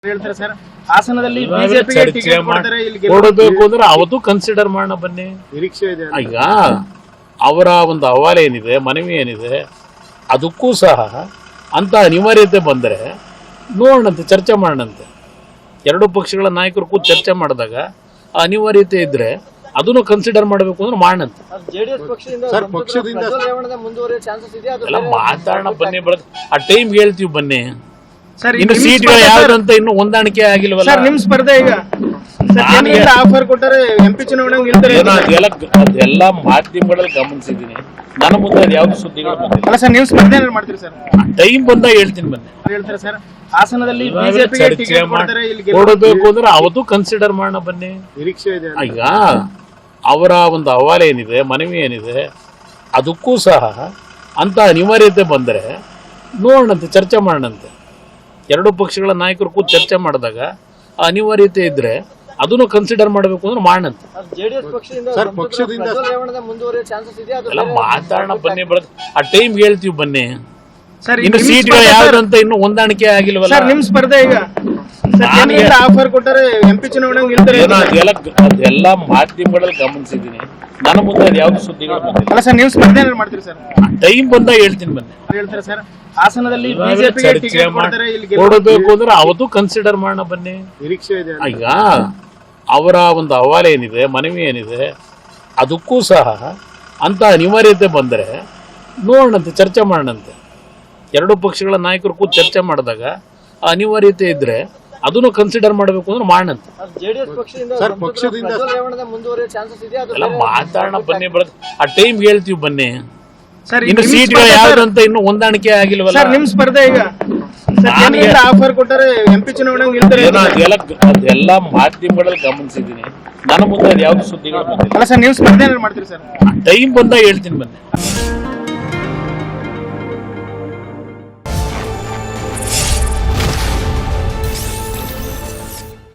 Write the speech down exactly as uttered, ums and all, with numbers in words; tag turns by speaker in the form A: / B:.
A: ಹೇಳ್ತಾರೆ ಸರ್, ಹಾಸನದಲ್ಲಿ ಬಿಜೆಪಿಗೆ ಟಿಕೆಟ್ ಕೊಡ್ತಾರೆ, ಇಲ್ಲಿ
B: ಕೊಡಬೇಕು ಅಂದ್ರೆ ಅವತ್ತು ಕನ್ಸಿಡರ್ ಮಾಡೋಣ ಬನ್ನಿ.
A: ನಿರೀಕ್ಷೆ ಇದೆ.
B: ಈಗ ಅವರ ಒಂದು ಅಹವಾಲು ಏನಿದೆ, ಮನವಿ ಏನಿದೆ, ಅದಕ್ಕೂ ಸಹ ಅಂತ ಅನಿವಾರ್ಯತೆ ಬಂದರೆ ನೋಡೋಣಂತೆ, ಚರ್ಚೆ ಮಾಡೋಣಂತೆ. ಎರಡು ಪಕ್ಷಗಳ ನಾಯಕರು ಕೂತು ಚರ್ಚೆ ಮಾಡಿದಾಗ ಅನಿವಾರ್ಯತೆ ಇದ್ರೆ ಅದನ್ನು ಕನ್ಸಿಡರ್ ಮಾಡಬೇಕು ಅಂದ್ರೆ ಮಾಡೋಣಂತೆ. ಎಲ್ಲ ಮಾತಾಡೋಣ ಬನ್ನಿ, ಬರೋದು ಆ ಟೈಮ್ ಹೇಳ್ತೀವಿ ಬನ್ನಿ. ಇನ್ನು ಸೀಟ್ಗಳು ಯಾವ್ದಂತ ಇನ್ನು ಹೊಂದಾಣಿಕೆ ಆಗಿಲ್ವಲ್ಲ.
A: ನಿಮ್ ಸ್ಪರ್ಧೆ ಈಗ ಆಫರ್ ಕೊಟ್ಟರೆ ಎಂಪಿ ಚುನಾವಣೆ
B: ಅದೆಲ್ಲ ಮಾಧ್ಯಮಗಳಲ್ಲಿ ಗಮನಿಸಿದೀನಿ. ನನ್ನ ಮುಂದೆ ಅದು ಯಾವ್ದು ಸುದ್ದಿಗಳು ಬಂದಿಲ್ಲ.
A: ಅಲ್ಲ ಸರ್, ನೀವು ಸ್ಪರ್ಧೆ ಮಾಡ್ತೀರಿ ಸರ್?
B: ಟೈಮ್ ಬಂದಾಗ ಹೇಳ್ತೀನಿ ಬನ್ನಿ.
A: ಹೇಳ್ತಾರೆ ಸರ್, ಹಾಸನದಲ್ಲಿ ಬಿಜೆಪಿಗೆ ಟಿಕೆಟ್ ಕೊಡ್ತಾರೆ, ಇಲ್ಲಿ
B: ಕೊಡಬೇಕು ಅಂದ್ರೆ ಅವತ್ತು ಕನ್ಸಿಡರ್ ಮಾಡೋಣ ಬನ್ನಿ.
A: ನಿರೀಕ್ಷೆ ಇದೆ.
B: ಈಗ ಅವರ ಒಂದು ಅಹವಾಲು ಏನಿದೆ, ಮನವಿ ಏನಿದೆ, ಅದಕ್ಕೂ ಸಹ ಅಂತ ಅನಿವಾರ್ಯತೆ ಬಂದರೆ ನೋಡೋಣಂತೆ, ಚರ್ಚೆ ಮಾಡೋಣಂತೆ. ಎರಡು ಪಕ್ಷಗಳ ನಾಯಕರು ಕೂತು ಚರ್ಚೆ ಮಾಡಿದಾಗ ಅನಿವಾರ್ಯತೆ ಇದ್ರೆ ಅದನ್ನು ಕನ್ಸಿಡರ್ ಮಾಡಬೇಕು ಅಂದ್ರೆ ಮಾಡೋಣಂತೆ. ಎಲ್ಲ ಮಾತಾಡೋಣ ಬನ್ನಿ, ಬರೋದು ಆ ಟೈಮ್ ಹೇಳ್ತೀವಿ ಬನ್ನಿ. ಇನ್ನು ಸೀಟ್ಗಳು ಯಾವ್ದಂತ ಇನ್ನು ಹೊಂದಾಣಿಕೆ ಆಗಿಲ್ವಲ್ಲ.
A: ನಿಮ್ ಸ್ಪರ್ಧೆ ಈಗ ಆಫರ್ ಕೊಟ್ಟರೆ ಎಂಪಿ ಚುನಾವಣೆ
B: ಅದೆಲ್ಲ ಮಾಧ್ಯಮಗಳಲ್ಲಿ ಗಮನಿಸಿದೀನಿ. ನನ್ನ ಮುಂದೆ ಅದು ಯಾವ್ದು ಸುದ್ದಿಗಳು ಬಂದಿಲ್ಲ.
A: ಅಲ್ಲ ಸರ್, ನೀವು ಸ್ಪರ್ಧೆ ಮಾಡ್ತೀರಿ ಸರ್?
B: ಟೈಮ್ ಬಂದಾಗ ಹೇಳ್ತೀನಿ ಬನ್ನಿ.
A: ಹೇಳ್ತಾರೆ ಸರ್, ಹಾಸನದಲ್ಲಿ ಬಿಜೆಪಿಗೆ ಟಿಕೆಟ್ ಕೊಡ್ತಾರೆ, ಇಲ್ಲಿ
B: ಕೊಡಬೇಕು ಅಂದ್ರೆ ಅವತ್ತು ಕನ್ಸಿಡರ್ ಮಾಡೋಣ ಬನ್ನಿ.
A: ನಿರೀಕ್ಷೆ ಇದೆ.
B: ಈಗ ಅವರ ಒಂದು ಅಹವಾಲು ಏನಿದೆ, ಮನವಿ ಏನಿದೆ, ಅದಕ್ಕೂ ಸಹ ಅಂತ ಅನಿವಾರ್ಯತೆ ಬಂದರೆ ನೋಡೋಣಂತೆ, ಚರ್ಚೆ ಮಾಡೋಣಂತೆ. ಎರಡು ಪಕ್ಷಗಳ ನಾಯಕರು ಕೂತು ಚರ್ಚೆ ಮಾಡಿದಾಗ ಅನಿವಾರ್ಯತೆ ಇದ್ರೆ ಅದನ್ನು ಕನ್ಸಿಡರ್ ಮಾಡಬೇಕು ಅಂದ್ರೆ ಮಾಡೋಣಂತೆ. ಎಲ್ಲ ಮಾತಾಡೋಣ ಬನ್ನಿ, ಬರೋದು ಆ ಟೈಮ್ ಹೇಳ್ತೀವಿ ಬನ್ನಿ. ಇನ್ನು ಸೀಟ್ಗಳು ಯಾವ್ದಂತ ಇನ್ನು ಹೊಂದಾಣಿಕೆ ಆಗಿಲ್ವಲ್ಲ.
A: ನಿಮ್ ಸ್ಪರ್ಧೆ ಈಗ ಆಫರ್ ಕೊಟ್ಟರೆ ಎಂಪಿ ಚುನಾವಣೆ
B: ಅದೆಲ್ಲ ಮಾಧ್ಯಮಗಳಲ್ಲಿ ಗಮನಿಸಿದೀನಿ. ನನ್ನ ಮುಂದೆ ಅದು ಯಾವ್ದು ಸುದ್ದಿಗಳು ಬಂದಿಲ್ಲ.
A: ಅಲ್ಲ ಸರ್, ನೀವು ಸ್ಪರ್ಧೆ ಮಾಡ್ತೀರಿ ಸರ್?
B: ಟೈಮ್ ಬಂದಾಗ ಹೇಳ್ತೀನಿ ಬನ್ನಿ.